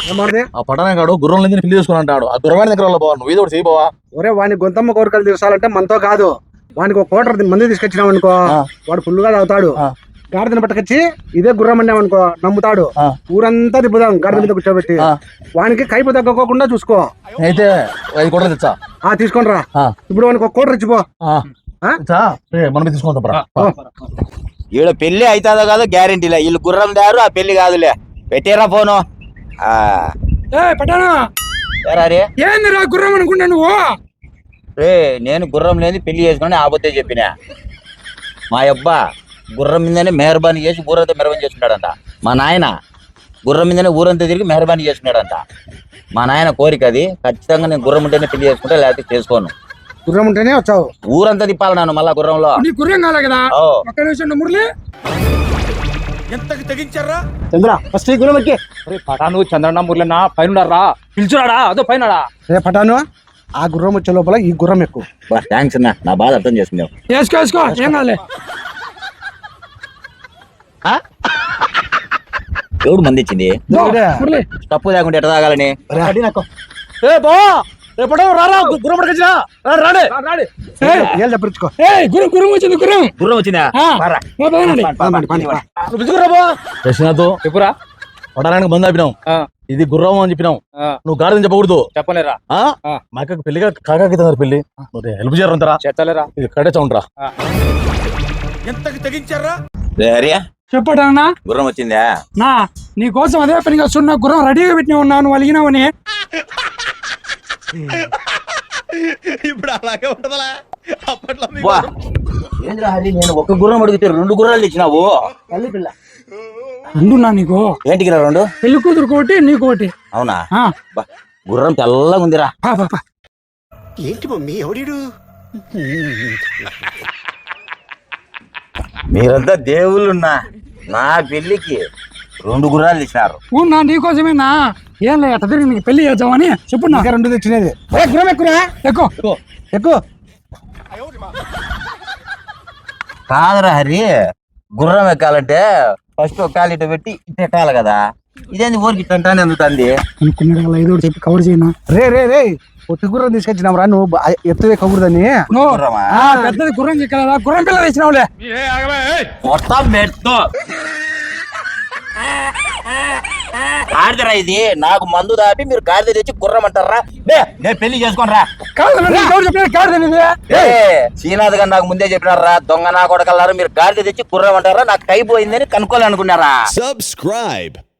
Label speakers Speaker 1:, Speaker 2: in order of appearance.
Speaker 1: ఆ పట్టణం కాడు గుర్రం లేని పెళ్లి చేసుకుని అంటాడు. ఆ గుర్రవాణి దగ్గర పోవా, నువ్వు ఏదో ఒకటి చేయబోవా.
Speaker 2: ఒరే వాని గొంతమ్మ కోరికలు తీర్చాలంటే మనతో కాదు, వానికి ఒక కోటర్ మంది తీసుకొచ్చినాం అనుకో, వాడు ఫుల్గా తాగుతాడు. గాడిదని పట్టుకొచ్చి ఇదే గుర్రం అన్నామనుకో నమ్ముతాడు. ఊరంతా తిప్పుదాం గాడిద మీద కూర్చోబెట్టి, వానికి కైపు తగ్గకోకుండా చూసుకో.
Speaker 1: అయితే 5 కోట్లు తెచ్చా.
Speaker 2: తీసుకోండి రా. ఇప్పుడు వానికి ఒక కోటర్ ఇచ్చిపో.
Speaker 1: మనం తీసుకుంటాం.
Speaker 3: ఈడ పెళ్లి అవుతుందో కాదో గ్యారెంటీలే. వీళ్ళు గుర్రం దారు, ఆ పెళ్లి కాదులే. పెట్టేరా ఫోను.
Speaker 4: ఏందిరా గుర్రం అనుకుంటా నువ్వు?
Speaker 3: రే నేను గుర్రం లేని పెళ్లి చేసుకుని ఆబోతే చెప్పినా. మా అబ్బా గుర్రం మీదనే మెహర్బానీ చేసి ఊరంతా మెహర్బానీ చేసుకున్నాడంట. మా నాయన గుర్రం మీదనే ఊరంతా తిరిగి మెహర్బానీ చేసుకున్నాడంట. మా నాయన కోరిక అది. ఖచ్చితంగా నేను గుర్రం ఉంటేనే పెళ్లి చేసుకుంటా, లేకపోతే చేసుకోను.
Speaker 2: గుర్రం ఉంటేనే వచ్చావు,
Speaker 3: ఊరంతా తిప్పాలి నన్ను మళ్ళా గుర్రంలో.
Speaker 4: నీ గుర్రం కాలే కదా. ఒక్క నిమిషం మురళి,
Speaker 5: ఎంతకి తెగించారా
Speaker 2: చంద్ర ఫస్ట్ ఈ గుర్రం ఎక్కి.
Speaker 6: పటాను చంద్రన్న మురళన్న పైన పిలుచురాడా? అదో పైన
Speaker 2: రే పటాను, ఆ గుర్రం వచ్చే లోపల ఈ గుర్రం ఎక్కువ.
Speaker 3: థ్యాంక్స్ అన్న, నా బాధ అర్థం చేసుకున్నావు.
Speaker 4: వేసుకో ఏం కాలే.
Speaker 3: ఎవడు మంది ఇచ్చింది? తప్పు లేకుండా ఎట్లా తాగాలని?
Speaker 4: గుర్రం వచ్చింది.
Speaker 3: గుర్రం వచ్చిందా?
Speaker 1: చెప్పురా. పట్టణానికి బంద్ ఆపినాం, ఇది గుర్రం అని చెప్పినాం. నువ్వు గాడిదని చెప్పకూడదు.
Speaker 6: చెప్పలేరా?
Speaker 1: మా అక్కకి పెళ్లిగా కాకాకితున్నారు పెళ్లి. హెల్ప్ చేయరంతరా?
Speaker 6: చేతలేరా?
Speaker 1: ఇది కడే చౌండ్రా.
Speaker 5: ఎంతకి తెగించారా?
Speaker 4: చెప్పాడన్నా
Speaker 3: గుర్రం వచ్చిందా?
Speaker 4: నా నీ కోసం అదే పనిగా సున్నా గుర్రం రెడీగా పెట్టిన ఉన్నాను, అలిగినావని.
Speaker 5: ఇప్పుడు అలాగే ఉంటదా? అప్పట్లో
Speaker 3: ఏంద్రా హరి, నేను ఒక గుర్రం అడిగితే 2 గుర్రాలు ఇచ్చినావు.
Speaker 4: రెండు నా నీకు
Speaker 3: ఏంటికి రా 2?
Speaker 4: పెళ్లి కూతురు కోటి నీకు ఒకటి.
Speaker 3: అవునా? గుర్రం తెల్లగా ఉందిరా.
Speaker 5: ఏంటి మమ్మీ ఎవడీడు?
Speaker 3: మీరంతా దేవుళ్ళున్నా నా పెళ్లికి 2 గుర్రాలు ఇచ్చినారు.
Speaker 4: నా నీకోసమేనా? ఏం లే అట్ట తిరిగి నీకు పెళ్లి చేద్దామని. చెప్పు నా
Speaker 2: 2 తెచ్చినది.
Speaker 4: గుర్రం ఎక్కురా, ఎక్కువ.
Speaker 3: కాదురా హరి, గుర్రం ఎక్కాలంటే ఫస్ట్ ఒక కాలు ఇటు పెట్టి ఇటు ఎక్కాలి కదా. ఇదేంది ఊరికి ఇట్టంటానే అందుతుంది.
Speaker 4: అనుకున్నాడు ఏదో చెప్పి కవర్ చేయనా.
Speaker 2: రే పొట్టి గుర్రం తీసుకొచ్చినాం రా, నువ్వు ఎత్తువే కబురుదని.
Speaker 4: పెద్దది గుర్రం చెక్కలేదా? గుర్రం పిల్ల తెచ్చినావులే.
Speaker 3: మొత్తం మెట్టు ఆడదరా ఇది. నాకు మందు దాపి మీరు గాడిద తెచ్చి గుర్రం అంటారా? నేను పెళ్లి చేసుకోనరా. శ్రీనాథ్ గారు నాకు ముందే చెప్పినారా, దొంగ నా కొడకల్లారా, మీరు గాడిద తెచ్చి గుర్రం అంటారా? నాకు కైపోయిందని కనుక్కోవాలనుకున్నారా?
Speaker 5: Subscribe.